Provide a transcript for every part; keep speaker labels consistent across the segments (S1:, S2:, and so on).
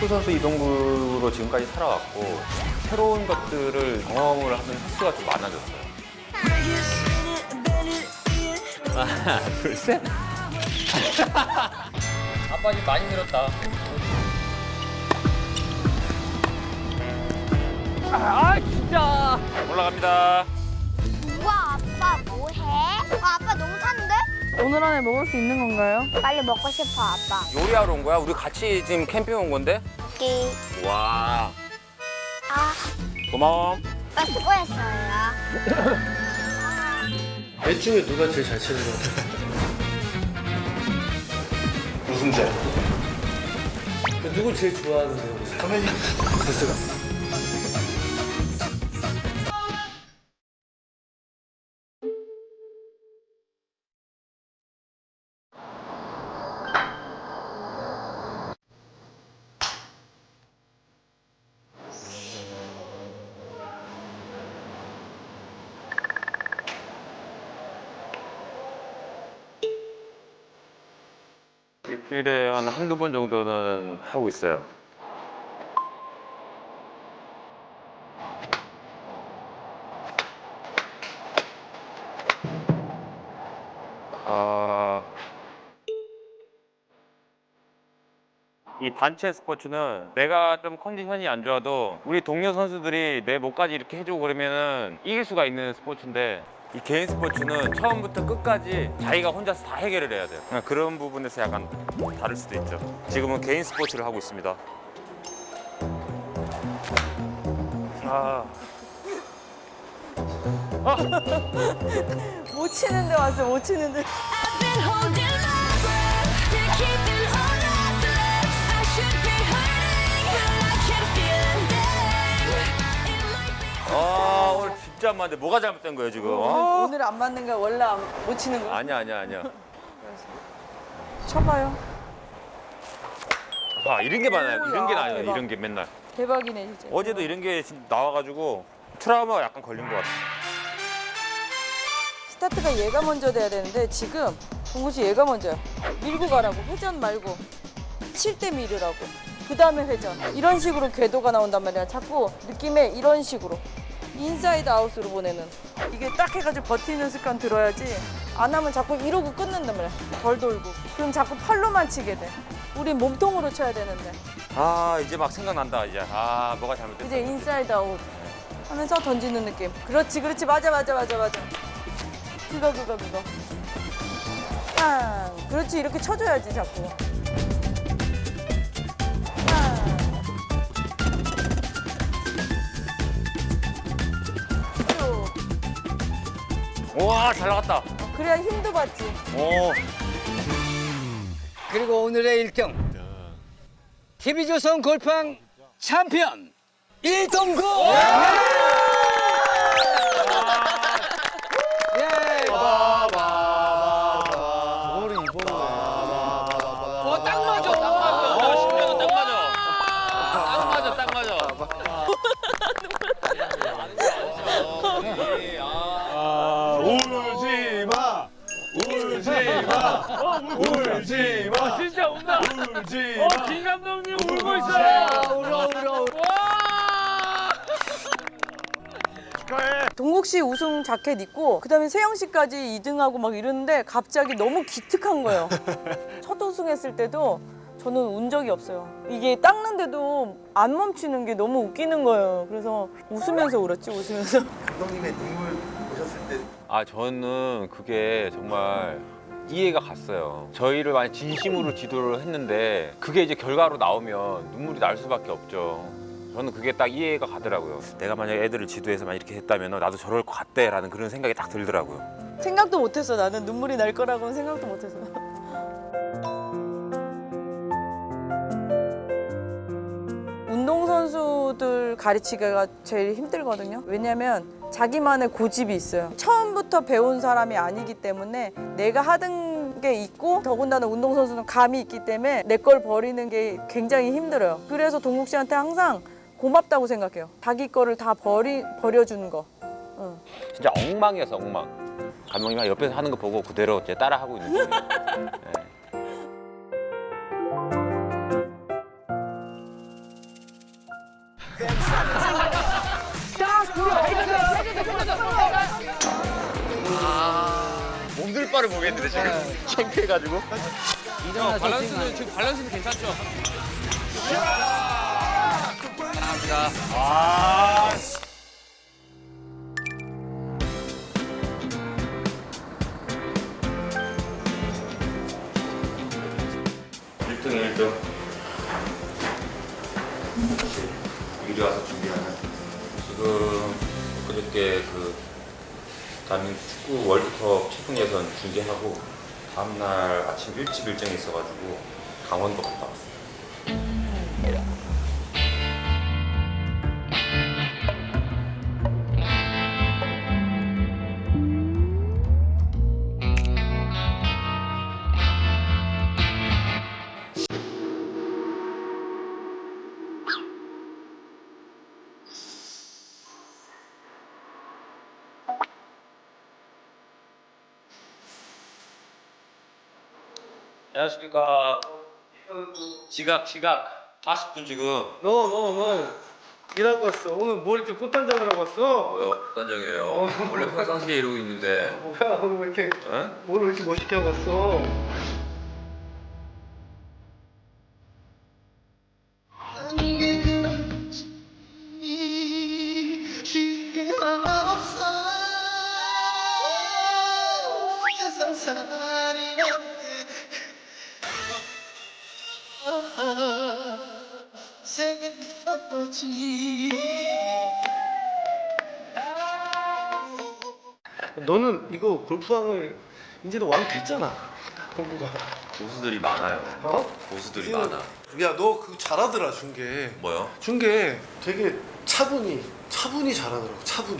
S1: 프로선수 이동구로 지금까지 살아왔고 새로운 것들을 경험을 하는 횟수가 좀 많아졌어요. 하나, 둘, 셋. 아빠 지금 많이 늘었다. 아, 진짜. 올라갑니다.
S2: 우와, 아빠 뭐해? 아빠 너무 타는데?
S3: 오늘 안에 먹을 수 있는 건가요?
S2: 빨리 먹고 싶어, 아빠.
S1: 요리하러 온 거야? 우리 같이 지금 캠핑 온 건데?
S2: 끼.
S1: 와.
S2: 아,
S1: 고마워.
S2: 아빠 수고했어요.
S4: 애 중에 누가 제일 잘 치는 것 같아?
S5: 우승자.
S4: 누구 제일 좋아하는데요?
S5: 선배님.
S4: 베스가.
S1: 일주일에 한 한두 번 정도는 하고 있어요. 이 단체 스포츠는 내가 좀 컨디션이 안 좋아도 우리 동료 선수들이 내 목까지 이렇게 해주고 그러면은 이길 수가 있는 스포츠인데 이 개인 스포츠는 처음부터 끝까지 자기가 혼자서 다 해결을 해야 돼요. 그런 부분에서 약간 다를 수도 있죠. 지금은 개인 스포츠를 하고 있습니다.
S3: 못 치는데 왔어, 못 치는데.
S6: I've been holding my breath to keep it all that's left. I should be hurting, but I can't feel it. It might be.
S1: 오늘 진짜 안 맞는데 뭐가 잘못된 거예요 지금?
S3: 오늘 안 맞는 거야? 원래 못 치는 거야?
S1: 아니야.
S3: 쳐봐요.
S1: 이런 게 많아요. 이런 게
S3: 야,
S1: 나요.
S3: 대박.
S1: 이런 게 맨날.
S3: 대박이네, 진짜.
S1: 어제도 이런 게 나와가지고 트라우마가 약간 걸린 것 같아.
S3: 스타트가 얘가 먼저 돼야 되는데 지금 동구 씨 얘가 먼저야. 밀고 가라고. 회전 말고. 칠 때 밀으라고. 그 다음에 회전. 이런 식으로 궤도가 나온단 말이야. 자꾸 느낌에 이런 식으로. 인사이드 아웃으로 보내는. 이게 딱 해가지고 버티는 습관 들어야지. 안 하면 자꾸 이러고 끊는단 말이야. 덜 돌고. 그럼 자꾸 팔로만 치게 돼. 우린 몸통으로 쳐야 되는데.
S1: 이제 막 생각난다 이제. 뭐가 잘못됐어.
S3: 이제 인사이드 아웃 하면서 던지는 느낌. 그렇지. 맞아. 그거. 그렇지. 이렇게 쳐줘야지 자꾸. 쭉.
S1: 우와 잘 나갔다.
S3: 그래야 힘도 받지.
S1: 오.
S7: 그리고 오늘의 1등 TV조선 골프왕 챔피언 이동구! 예.
S4: 저거를 입어보네.
S7: 딱 맞아.
S1: 신명은 딱 맞아. 딱 맞아.
S5: 울지 마.
S8: 진짜 운다.
S5: 울지 마.
S8: 김 감독님 울고 있어요.
S7: 울어.
S5: 축하해.
S3: 동국 씨 우승 자켓 입고 그다음에 세영 씨까지 2등하고 막 이러는데 갑자기 너무 기특한 거예요. 첫 우승했을 때도 저는 운 적이 없어요. 이게 닦는데도 안 멈추는 게 너무 웃기는 거예요. 그래서 웃으면서 울었지, 웃으면서.
S5: 감독님의 눈물 보셨을 때
S1: 저는 그게 정말 이해가 갔어요. 저희를 많이 진심으로 지도를 했는데 그게 이제 결과로 나오면 눈물이 날 수밖에 없죠. 저는 그게 딱 이해가 가더라고요. 내가 만약 애들을 지도해서 만 이렇게 했다면 나도 저럴 것 같대라는 그런 생각이 딱 들더라고요.
S3: 생각도 못했어. 나는 눈물이 날 거라고는 생각도 못했어. 운동선수들 가르치기가 제일 힘들거든요. 왜냐면 자기만의 고집이 있어요. 처음부터 배운 사람이 아니기 때문에 내가 하던 게 있고 더군다나 운동선수는 감이 있기 때문에 내 걸 버리는 게 굉장히 힘들어요. 그래서 동국 씨한테 항상 고맙다고 생각해요. 자기 거를 다 버려주는 거. 응.
S1: 진짜 엉망이었어, 엉망. 감독님 옆에서 하는 거 보고 그대로 이제 따라하고 있는 중이에요. 네. 똑바로 보겠는데 지금 창피해가지고.
S7: 밸런스는
S8: 지금 밸런스는 괜찮죠?
S7: 감사합니다.
S1: 아. 1등에 1등. 미리 와서 준비하는. 지금 그저께 그 대한민국 축구 월드컵 태풍 예선 중계하고 다음날 아침 일찍 일정이 있어가지고 강원도 갔다 왔어요. 안녕하십니까. 지각 40분 지금.
S4: 너 일하고 왔어. 오늘 뭘 이렇게 꽃단장을 하고 왔어?
S1: 뭐요? 단정이에요. 원래 평상시에 이러고 있는데.
S4: 뭐야 오늘 왜 이렇게
S1: 어?
S4: 뭘 이렇게 멋있게 하고 왔어? 너는 이거 골프왕을 이제는 왕 됐잖아. 공부가.
S1: 고수들이 많아요.
S4: 어?
S1: 고수들이
S4: 지금-
S1: 많아.
S4: 야 너 그거 잘하더라 중계.
S1: 뭐요?
S4: 중계 되게 차분히 잘하더라고. 차분히.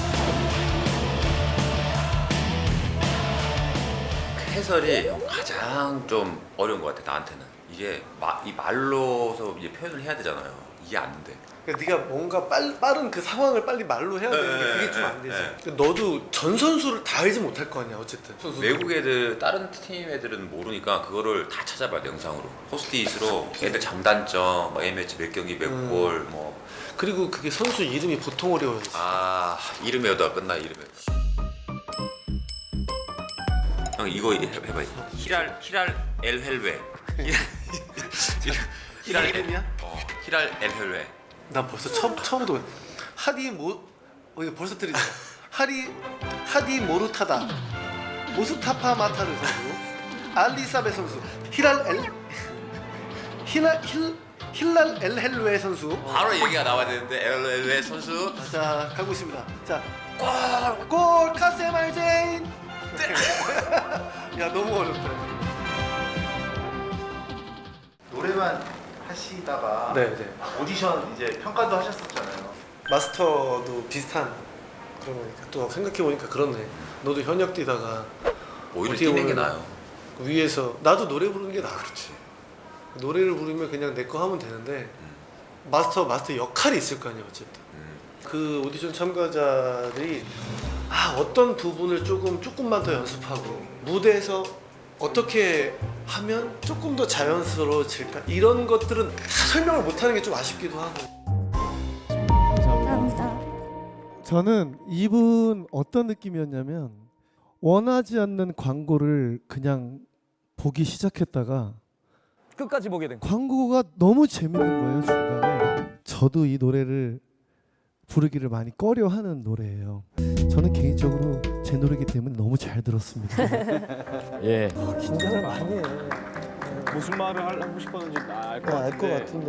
S1: 해설이 가장 좀 어려운 것 같아 나한테는. 이게 이 말로서 이제 표현을 해야 되잖아요. 이게 안 돼.
S4: 그러니까 네가 뭔가 빠른 그 상황을 빨리 말로 해야 되는데 그게 좀 안 되지.
S1: 네.
S4: 근데 너도 전 선수를 다 알지 못할 거 아니야 어쨌든. 선수도.
S1: 외국 애들 다른 팀 애들은 모르니까 그거를 다 찾아봐야 돼 영상으로. 포스트잇으로 애들 장단점, 뭐 A매치 몇 경기 몇 골, 뭐.
S4: 그리고 그게 선수 이름이 보통 어려워요.
S1: 아 이름 외우다가 끝나 이름 외우다. 형 이거 해봐. 히랄 엘 헬웨. 히랄
S4: 이름이야?
S1: 히랄 엘 헬웨.
S4: 나 벌써 처음부터 하디 이거 벌써 들리네. 하디 모루타다, 모스타파 마타르 선수, 알리사베 선수, 힐랄 엘 헬웨 선수.
S1: 바로 얘기가 나와야 되는데 엘 헬웨 선수.
S4: 자 가고 있습니다. 자 골 카세말 제인. 야 너무 어렵다.
S5: 노래만 하시다가
S4: 네.
S5: 오디션 이제 평가도 하셨었잖아요.
S4: 마스터도 비슷한 그런 거니까 또 생각해 보니까 그렇네. 너도 현역 뛰다가
S1: 오히려
S4: 어떻게
S1: 뛰는 게
S4: 보면
S1: 나아요.
S4: 위에서 나도 노래 부르는 게 나아. 그렇지. 노래를 부르면 그냥 내 거 하면 되는데 마스터 역할이 있을 거 아니야 어쨌든. 그 오디션 참가자들이 어떤 부분을 조금만 더 연습하고 무대에서 어떻게 하면 조금 더 자연스러워질까 이런 것들은 다 설명을 못하는 게 좀 아쉽기도 하고.
S2: 감사합니다.
S9: 저는 이분 어떤 느낌이었냐면 원하지 않는 광고를 그냥 보기 시작했다가
S8: 끝까지 보게 된 거.
S9: 광고가 너무 재밌는 거예요 중간에. 저도 이 노래를 부르기를 많이 꺼려하는 노래예요. 저는 개인적으로 제 노래이기 때문에 너무 잘 들었습니다.
S8: 예.
S9: 긴장을 많이 해.
S8: 무슨 말을 하고 싶었는지 알 것
S9: 알 것
S8: 같은데.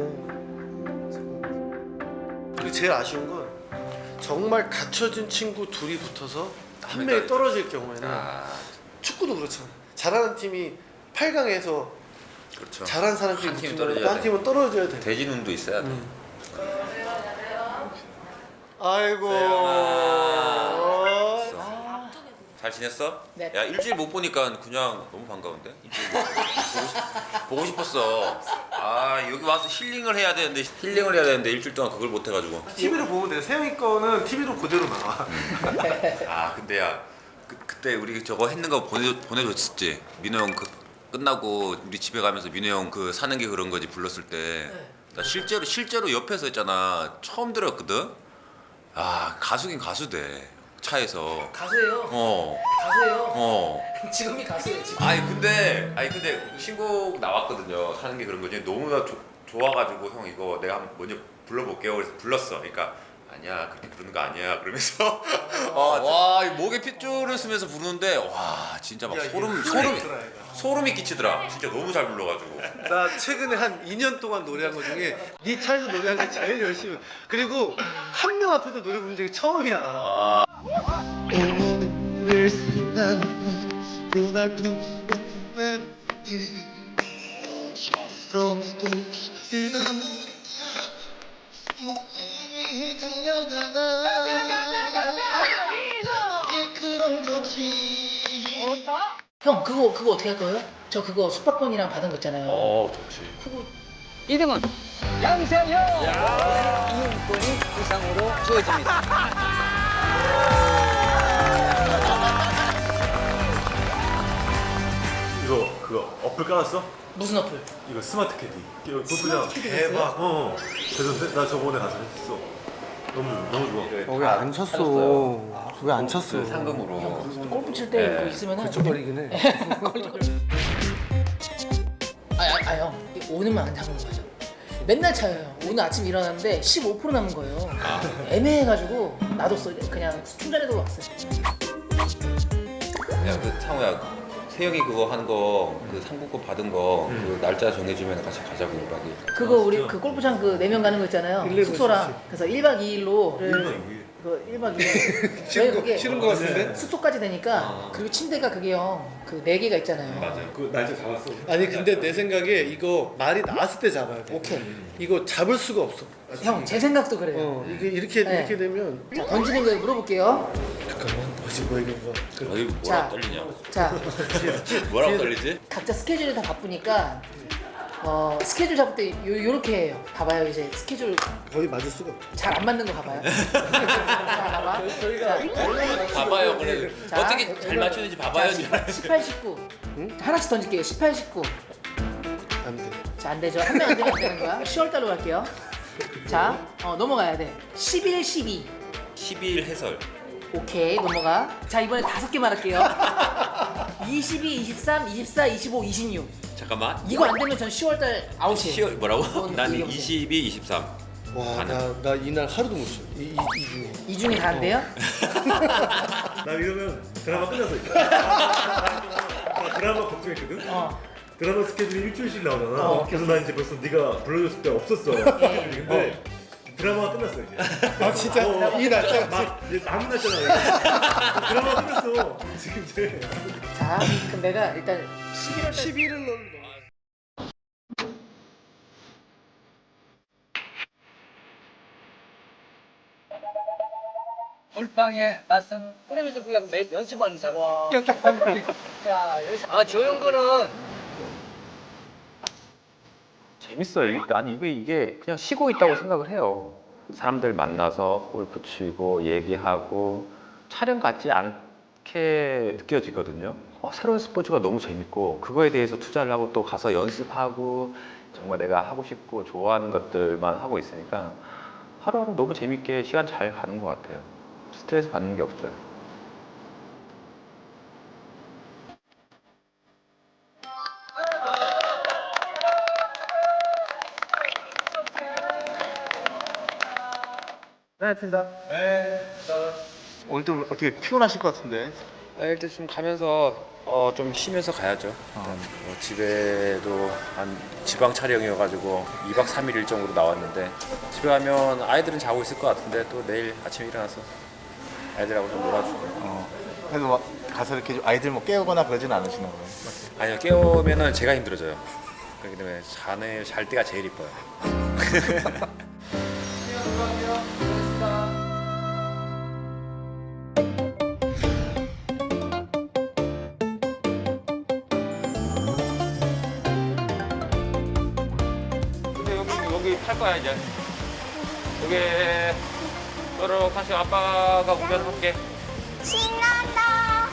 S9: 같은데.
S4: 그리고 제일 아쉬운 건 정말 갖춰진 친구 둘이 붙어서 한 명이 떨어질 경우에는 축구도 그렇잖아. 잘하는 팀이 8강에서
S1: 그렇죠.
S4: 잘한 사람끼리
S1: 한 팀이
S4: 붙으면
S1: 떨어져야
S4: 한 팀은 떨어져야 돼.
S1: 대진운도 있어야 돼.
S4: 아이고.
S1: 잘 지냈어? 네. 야 일주일 못 보니까 그냥 너무 반가운데? 일주일 보고 싶었어. 여기 와서 힐링을 해야 되는데 일주일 동안 그걸 못 해가지고.
S4: TV로 보면 돼. 세영이 거는 TV로 그대로 나와.
S1: 근데 야 그때 우리 저거 했는 거 보내줬었지. 민호 형 끝나고 우리 집에 가면서 민호 형 사는 게 그런 거지 불렀을 때. 나 실제로 옆에서 했잖아. 처음 들었거든. 가수긴 가수대.
S10: 차에서.
S3: 가수예요.
S10: 어.
S3: 가수예요.
S10: 어.
S3: 지금이 가수예요. 지금.
S10: 아니 근데 신곡 나왔거든요. 사는 게 그런 거지. 너무나 좋아가지고 형 이거 내가 한번 먼저 불러볼게요. 그래서 불렀어. 그러니까 아니야 그렇게 부르는 거 아니야. 그러면서 와 목에 핏줄을 쓰면서 부르는데 와 진짜 막 소름이 끼치더라. 진짜 너무 잘 불러가지고.
S4: 나 최근에 한 2년 동안 노래한 것 중에 네 차에서 노래한 게 제일 열심히. 그리고 한 명 앞에서 노래 부른 적이 처음이야.
S3: 형 그거 어떻게 할 거예요? 저 그거 숙박권이랑 받은 거 있잖아요.
S10: 좋지.
S7: 2등은 양세형. 이용권이 부상으로 주어집니다.
S11: 이거 그거 어플 깔았어?
S3: 무슨 어플?
S11: 이거 스마트 캐디. 이거 골프장 대박. 그래서 나 저번에 가서 했어. 너무 좋아.
S4: 왜 안 쳤어? 왜 안 쳤어?
S10: 상금으로.
S3: 골프 칠 때 그거 있으면은
S4: 걸쳐버리긴 해.
S3: 형 오늘만 안 잡은 거죠. 맨날 차요. 오늘 아침 일어났는데 15% 남은 거예요. 애매해가지고 놔뒀어. 그냥 충전해두고 왔어요.
S10: 야 그 상우야. 세영이 그거 한 거 그 상품권 받은 거 그 날짜 정해주면 같이 가자고 1박 2일.
S3: 그거 우리 그 골프장 그 4명 가는 거 있잖아요. 숙소랑. 그래서 1박 2일로 1박 2일. 왜 그게
S4: 싫은 거 같은데?
S3: 숙소까지 되니까 그리고 침대가 그게 형 그 4개가 있잖아요.
S10: 맞아요.
S11: 그 날짜 잡았어.
S4: 아니 근데 내 생각에 이거 말이 나왔을 때 잡아야 돼.
S3: 오케이.
S4: 이거 잡을 수가 없어.
S3: 형 제 생각도 그래요.
S4: 이게 이렇게
S3: 네.
S4: 되면
S3: 자 던지는 거에 물어볼게요.
S4: 잠깐만 뭐지 뭐 이런 거.
S10: 어디 뭐라고
S3: 자.
S10: 떨리냐?
S3: 자
S10: 뭐라고 떨리지?
S3: 각자 스케줄이 다 바쁘니까 스케줄 잡을 때 요렇게 해요. 봐봐요 이제 스케줄
S4: 거의 맞을 수가 없어.
S3: 잘 안 맞는 거 봐봐요. 자, 봐봐.
S10: 봐봐요 그래.
S3: 자,
S10: 어떻게 잘 맞추는지 봐봐요.
S3: 18, 19. 하나씩 던질게요. 18, 19.
S4: 안 돼.
S3: 자, 안 되죠. 한 명 안 되면 안 되는 거야. 10월 달로 갈게요. 자, 넘어가야 돼. 11, 12.
S10: 12일 해설.
S3: 오케이, 넘어가. 자, 이번에 5개 말할게요. 22, 23, 24, 25, 26.
S10: 잠깐만.
S3: 이거 안 되면 전 10월 달 아웃이에요.
S10: 10월 뭐라고?
S3: 이건
S10: 난
S3: 이게
S10: 22, 23.
S4: 와, 나 이날 하루도 못 쉬어. 이 중에.
S3: 이 중에 다 안 돼요?
S11: 나 이러면 드라마 끝났어 이제. 나 드라마 걱정했거든. 드라마 스케줄이 일주일씩 나오잖아. 그래서 나 이제 벌써 네가 불러줬을 때 없었어. 근데 드라마가 끝났어 이제.
S4: 아 진짜? 이 날짜가
S11: 막 이제 남은 날짜가 드라마가 끝났어. 지금 이제.
S3: 자, 그럼 내가 일단 11월 달
S4: 11일 날.
S7: 골방에 맞선 뿌리면서 그냥 매일 연습하는 사람. 조용 거는
S1: 재밌어요. 난 이게 그냥 쉬고 있다고 생각을 해요. 사람들 만나서 골프 치고 얘기하고 촬영 같지 않게 느껴지거든요. 새로운 스포츠가 너무 재밌고 그거에 대해서 투자를 하고 또 가서 연습하고 정말 내가 하고 싶고 좋아하는 것들만 하고 있으니까 하루하루 너무 재밌게 시간 잘 가는 것 같아요. 스트레스 받는 게 없어요. 네, 알겠습니다.
S5: 오늘도 어떻게 피곤하실 것 같은데.
S10: 일단 좀 가면서 좀 쉬면서 가야죠. 일단 집에도 한 지방 촬영이어가지고 2박 3일 일정으로 나왔는데 집에 가면 아이들은 자고 있을 것 같은데 또 내일 아침에 일어나서 아이들하고 좀 놀아주고.
S5: 그래서 막 가서 이렇게 좀 아이들 뭐 깨우거나 그러진 않으시나 봐요.
S10: 아니요 깨우면은 제가 힘들어져요. 그렇기 때문에 잘 때가 제일 이뻐요.
S1: 근데 여기 탈 거야 이제. 여기 너로 다시 아빠가 운전할게.
S2: 신난다.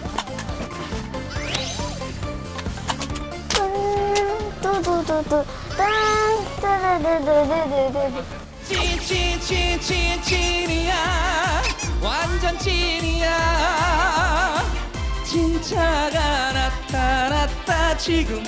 S2: 뚜두두두 뚜루루루루루루.
S6: 찐이야 완전 찐이야 진짜가 나타났다 지금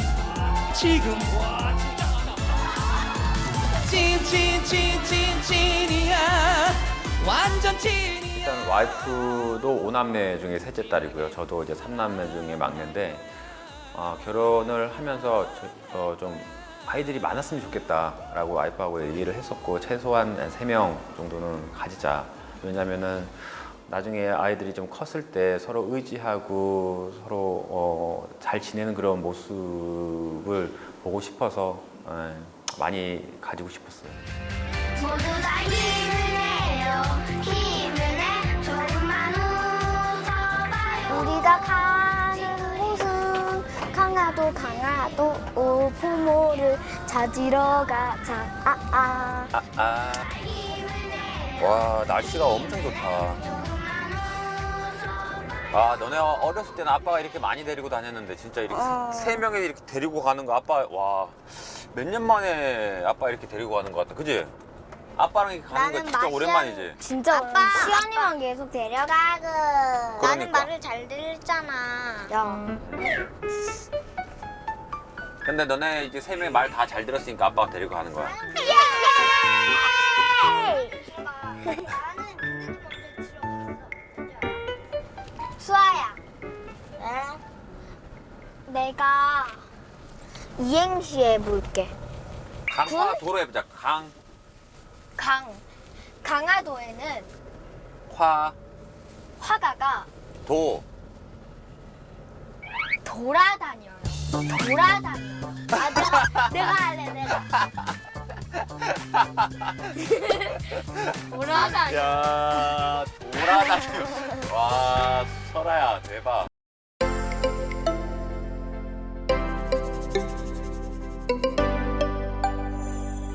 S6: 찐이야 완전 찐이야.
S1: 일단 와이프도 5남매 중에 셋째 딸이고요. 저도 이제 3남매 중에 막내인데 결혼을 하면서 좀 아이들이 많았으면 좋겠다라고 와이프하고 얘기를 했었고 최소한 3명 정도는 가지자. 왜냐면은 나중에 아이들이 좀 컸을 때 서로 의지하고 서로 잘 지내는 그런 모습을 보고 싶어서 많이 가지고 싶었어요.
S2: 모두 다 힘을 내요. 힘을 내. 조금만 웃어봐요. 우리가 가는 곳은 강화도 부모를 찾으러 가자.
S1: 와, 날씨가 엄청 좋다. 너네 어렸을 때는 아빠가 이렇게 많이 데리고 다녔는데 진짜 이렇게 세 명이 이렇게 데리고 가는 거 아빠 몇 년 만에 아빠 이렇게 데리고 가는 거 같다. 그지? 아빠랑 이렇게 가는 거 진짜 오랜만이지.
S2: 진짜 아빠 시연이만 계속 데려가고. 나는
S1: 그러니까.
S2: 말을 잘 들었잖아. 야.
S1: 근데 너네 이제 세 명이 말 다 잘 들었으니까 아빠가 데리고 가는 거야.
S2: 예! 수아야. 내가 이행시 해볼게.
S1: 강화 도로 해보자.
S2: 강화도에는 화가가 돌아다녀요. 내가 할래. 돌아다녀.
S1: 야, 돌아다녀. 와, 설아야, 대박.